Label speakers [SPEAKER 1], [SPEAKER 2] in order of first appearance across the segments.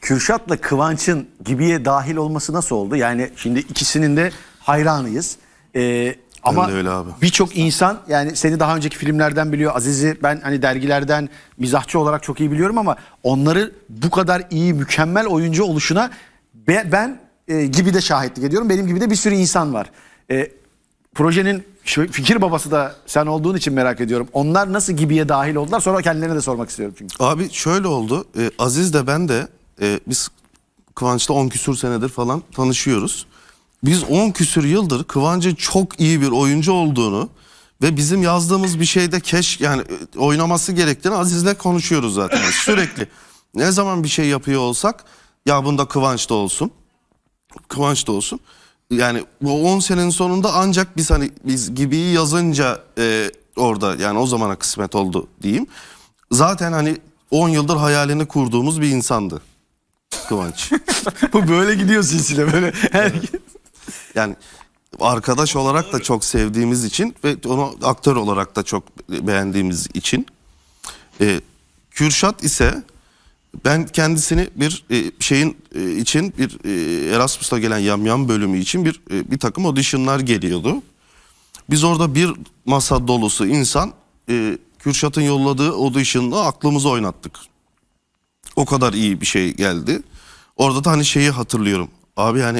[SPEAKER 1] Kürşat'la Kıvanç'ın Gibi'ye dahil olması nasıl oldu? Yani şimdi ikisinin de hayranıyız. Ama
[SPEAKER 2] öyle abi.
[SPEAKER 1] birçok insan yani seni daha önceki filmlerden biliyor. Aziz'i ben hani dergilerden mizahçı olarak çok iyi biliyorum ama onları bu kadar iyi, mükemmel oyuncu oluşuna ben Gibi'de şahitlik ediyorum. Benim gibi de bir sürü insan var. Projenin fikir babası da sen olduğun için merak ediyorum. Onlar nasıl Gibi'ye dahil oldular? Sonra kendilerine de sormak istiyorum çünkü.
[SPEAKER 2] Abi şöyle oldu. Aziz de ben de biz Kıvanç'la 10 küsür senedir falan tanışıyoruz. Biz 10 küsür yıldır Kıvanç'ın çok iyi bir oyuncu olduğunu ve bizim yazdığımız bir şeyde yani oynaması gerektiğini Aziz'le konuşuyoruz zaten sürekli. Ne zaman bir şey yapıyor olsak ya bunda Kıvanç da olsun. Kıvanç da olsun. Yani bu 10 senenin sonunda ancak biz Gibi'yi yazınca orada yani o zamana kısmet oldu diyeyim. Zaten hani 10 yıldır hayalini kurduğumuz bir insandı Kıvanç.
[SPEAKER 1] Bu böyle gidiyor silsile böyle.
[SPEAKER 2] Yani arkadaş olarak da çok sevdiğimiz için ve onu aktör olarak da çok beğendiğimiz için. Kürşat ise ben kendisini bir şeyin için bir Erasmus'ta gelen Yamyam bölümü için bir takım auditionlar geliyordu. Biz orada bir masa dolusu insan Kürşat'ın yolladığı audition'la aklımızı oynattık. O kadar iyi bir şey geldi. Orada da hani şeyi hatırlıyorum. Abi yani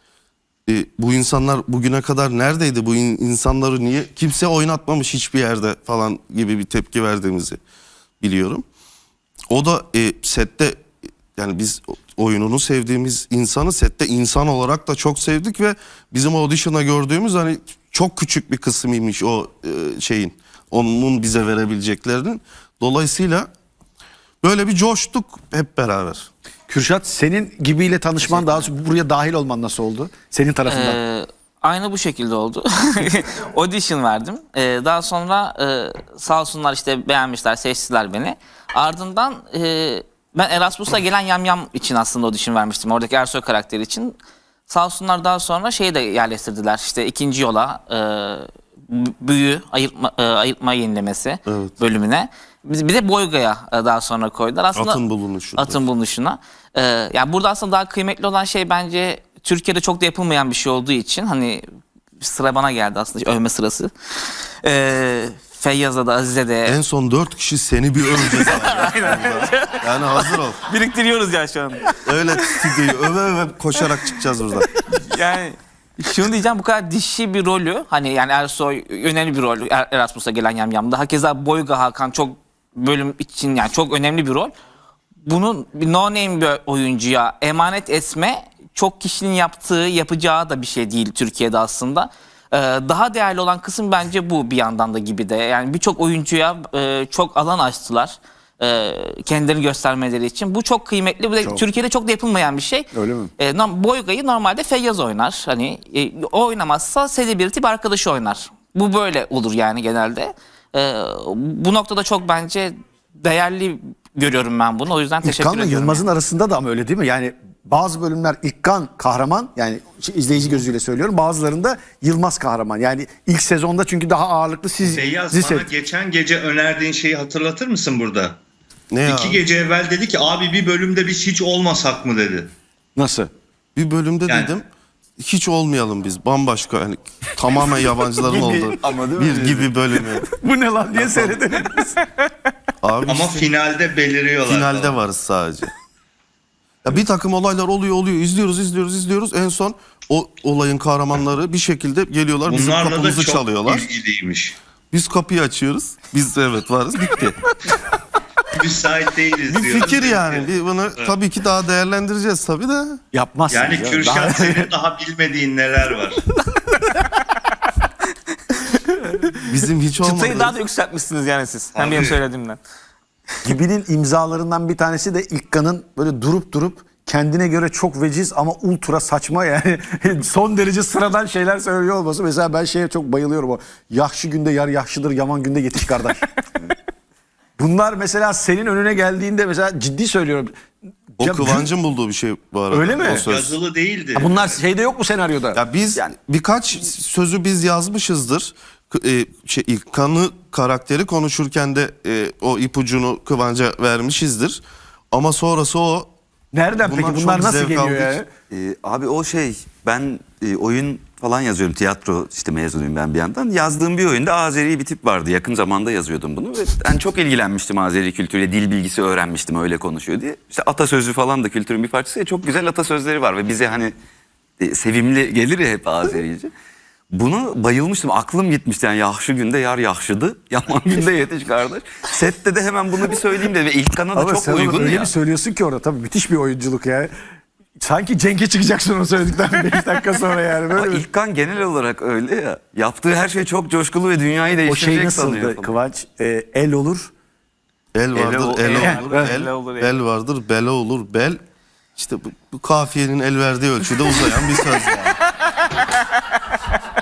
[SPEAKER 2] bu insanlar bugüne kadar neredeydi? Bu insanları niye kimse oynatmamış hiçbir yerde falan gibi bir tepki verdiğimizi biliyorum. O da sette yani biz oyununu sevdiğimiz insanı sette insan olarak da çok sevdik ve bizim audition'a gördüğümüz hani çok küçük bir kısmıymış o şeyin onun bize verebileceklerinin. Dolayısıyla böyle bir coştuk hep beraber.
[SPEAKER 1] Kürşat senin Gibi'yle tanışman daha sonra buraya dahil olman nasıl oldu? Senin tarafından.
[SPEAKER 3] Aynı bu şekilde oldu. Audition verdim. Daha sonra sağ olsunlar işte beğenmişler, seçtiler beni. Ardından ben Erasmus'a gelen Yamyam için aslında audition vermiştim. Oradaki Ersoy karakteri için. Sağ olsunlar daha sonra şeyi de yerleştirdiler. İşte ikinci yola büyü, ayırtma yenilemesi bölümüne. Bir de Boyga'ya daha sonra koydular. Aslında atın bulunuşuna. Yani burada aslında daha kıymetli olan şey bence Türkiye'de çok da yapılmayan bir şey olduğu için hani sıra bana geldi aslında övme sırası. Feyyaz'a da Aziz'e de.
[SPEAKER 2] En son 4 kişi seni bir öveceğiz. Yani hazır ol.
[SPEAKER 3] Biriktiriyoruz ya şu an.
[SPEAKER 2] Öyle stüdyoyu öve koşarak çıkacağız buradan.
[SPEAKER 3] Yani şunu diyeceğim, bu kadar dişi bir rolü hani yani Ersoy önemli bir rol Erasmus'a gelen Yamyam'da. Hakeza Boyga Hakan çok bölüm için yani çok önemli bir rol. Bunun bir no name bir oyuncuya emanet etme çok kişinin yapacağı da bir şey değil Türkiye'de aslında. Daha değerli olan kısım bence bu bir yandan da gibi de. Yani birçok oyuncuya çok alan açtılar. Kendilerini göstermeleri için. Bu çok kıymetli. Bu da Türkiye'de çok da yapılmayan bir şey.
[SPEAKER 1] Öyle mi?
[SPEAKER 3] Boyga'yı normalde Feyyaz oynar. Hani o oynamazsa celebrity bir arkadaşı oynar. Bu böyle olur yani genelde. Bu noktada çok bence değerli görüyorum ben bunu. O yüzden teşekkür ediyorum.
[SPEAKER 1] İlkan'la Yılmaz'ın arasında da ama öyle değil mi? Yani bazı bölümler İlkan kahraman, yani izleyici gözüyle söylüyorum. Bazılarında Yılmaz kahraman. Yani ilk sezonda çünkü daha ağırlıklı siz
[SPEAKER 4] Feyyaz bana geçen gece önerdiğin şeyi hatırlatır mısın burada?
[SPEAKER 2] Ne ya?
[SPEAKER 4] 2 gece evvel dedi ki abi bir bölümde biz hiç olmasak mı dedi.
[SPEAKER 1] Nasıl?
[SPEAKER 2] Bir bölümde
[SPEAKER 4] Yani-
[SPEAKER 2] dedim hiç olmayalım biz bambaşka yani tamamen yabancıların olduğu bir gibi bölümü.
[SPEAKER 1] Bu ne lan diye seyredelim.
[SPEAKER 2] Abi
[SPEAKER 4] Ama
[SPEAKER 2] işte
[SPEAKER 4] finalde beliriyorlar.
[SPEAKER 2] finalde
[SPEAKER 4] falan.
[SPEAKER 2] varız sadece. Ya bir takım olaylar oluyor izliyoruz en son o olayın kahramanları bir şekilde geliyorlar bizim
[SPEAKER 4] Bunlarla da
[SPEAKER 2] kapımızı
[SPEAKER 4] çok
[SPEAKER 2] çalıyorlar.
[SPEAKER 4] ilgiliymiş.
[SPEAKER 2] Biz kapıyı açıyoruz. Biz evet varız bitti.
[SPEAKER 4] Müsait değiliz
[SPEAKER 2] Bir
[SPEAKER 4] diyoruz.
[SPEAKER 2] fikir yani. Bunu tabii ki daha değerlendireceğiz tabii de.
[SPEAKER 1] Yapmazsın.
[SPEAKER 4] Yani
[SPEAKER 1] ya.
[SPEAKER 4] Kürşat senin daha bilmediğin neler var.
[SPEAKER 2] Bizim hiç olmadı.
[SPEAKER 3] Çıtayı daha da yükseltmişsiniz yani siz. Hem benim söylediğimden.
[SPEAKER 1] Gibi'nin imzalarından bir tanesi de İlkan'ın böyle durup kendine göre çok veciz ama ultra saçma yani son derece sıradan şeyler söylüyor olması. Mesela ben şeye çok bayılıyorum, o yahşi günde yar yahşıdır, yaman günde yetiş kardeş. Bunlar mesela senin önüne geldiğinde mesela ciddi söylüyorum.
[SPEAKER 2] O Kıvancın bulduğu bir şey bu arada.
[SPEAKER 1] Öyle mi?
[SPEAKER 2] O söz.
[SPEAKER 4] Yazılı değildi.
[SPEAKER 1] Bunlar şeyde yok mu senaryoda?
[SPEAKER 2] Ya biz birkaç sözü biz yazmışızdır. İlkan'ı karakteri konuşurken de o ipucunu Kıvanç'a vermişizdir. Ama sonrası o
[SPEAKER 1] Nereden
[SPEAKER 2] Bundan
[SPEAKER 1] peki? Bunlar
[SPEAKER 2] çok
[SPEAKER 1] nasıl
[SPEAKER 2] zevk
[SPEAKER 1] geliyor
[SPEAKER 2] aldık.
[SPEAKER 1] yani?
[SPEAKER 5] Abi o şey, ben oyun falan yazıyorum. Tiyatro işte mezunuyum ben bir yandan. Yazdığım bir oyunda Azeri bir tip vardı. Yakın zamanda yazıyordum bunu. Ve ben çok ilgilenmiştim Azeri kültürüyle. Dil bilgisi öğrenmiştim, öyle konuşuyor diye. İşte atasözü falan da kültürün bir parçası ya. Çok güzel atasözleri var ve bize hani sevimli gelir ya hep Azerice. Bunu bayılmıştım. Aklım gitmişti yani. Yahşı günde yar yahşıdı. Yaman günde yetiş kardeş. Sette de hemen bunu bir söyleyeyim dedim. Ve İlkan'a da
[SPEAKER 1] Ama
[SPEAKER 5] çok
[SPEAKER 1] sen onu
[SPEAKER 5] uygun
[SPEAKER 1] öyle
[SPEAKER 5] ya.
[SPEAKER 1] bir söylüyorsun ki orada tabii müthiş bir oyunculuk ya. Sanki Cenk'e çıkacaksın onu söyledikten 5 dakika sonra yani.
[SPEAKER 5] Ama
[SPEAKER 1] Böyle bir...
[SPEAKER 5] İlkan genel olarak öyle ya. Yaptığı her şey çok coşkulu ve dünyayı
[SPEAKER 1] O
[SPEAKER 5] değiştirecek
[SPEAKER 1] şey
[SPEAKER 5] sanıyor.
[SPEAKER 1] nasıldı Kıvanç? El olur.
[SPEAKER 2] El vardır,
[SPEAKER 3] el olur,
[SPEAKER 2] bel vardır, bela olur, bel. İşte bu kafiyenin el verdiği ölçüde uzayan bir söz yani.